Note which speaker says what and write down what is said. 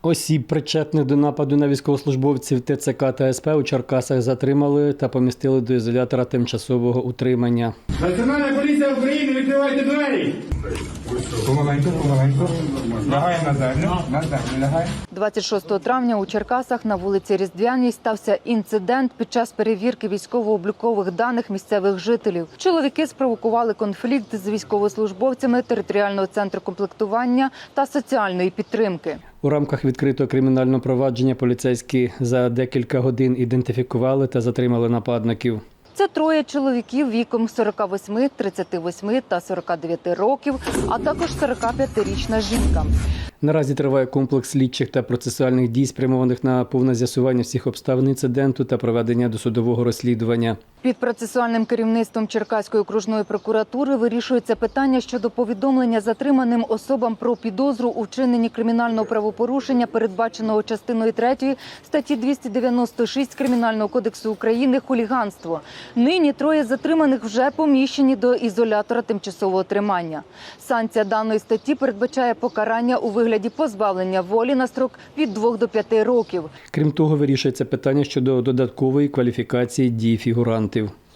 Speaker 1: Осіб, причетних до нападу на військовослужбовців ТЦК та СП у Черкасах затримали та помістили до ізолятора тимчасового утримання.
Speaker 2: Національна поліція України, відкривайте двері!
Speaker 3: Помаленьку. Лягай на землю, лягай.
Speaker 4: 26 травня у Черкасах на вулиці Різдвяній стався інцидент під час перевірки військово-облікових даних місцевих жителів. Чоловіки спровокували конфлікт з військовослужбовцями територіального центру комплектування та соціальної підтримки.
Speaker 1: У рамках відкритого кримінального провадження поліцейські за декілька годин ідентифікували та затримали нападників.
Speaker 4: Це троє чоловіків віком 48, 38 та 49 років, а також 45-річна жінка.
Speaker 1: Наразі триває комплекс слідчих та процесуальних дій, спрямованих на повне з'ясування всіх обставин інциденту та проведення досудового розслідування.
Speaker 4: Під процесуальним керівництвом Черкаської окружної прокуратури вирішується питання щодо повідомлення затриманим особам про підозру у вчиненні кримінального правопорушення, передбаченого частиною 3 статті 296 Кримінального кодексу України «Хуліганство». Нині троє затриманих вже поміщені до ізолятора тимчасового тримання. Санкція даної статті передбачає покарання у вигляді позбавлення волі на строк від 2 до 5 років.
Speaker 1: Крім того, вирішується питання щодо додаткової кваліфікації дій фігурантів.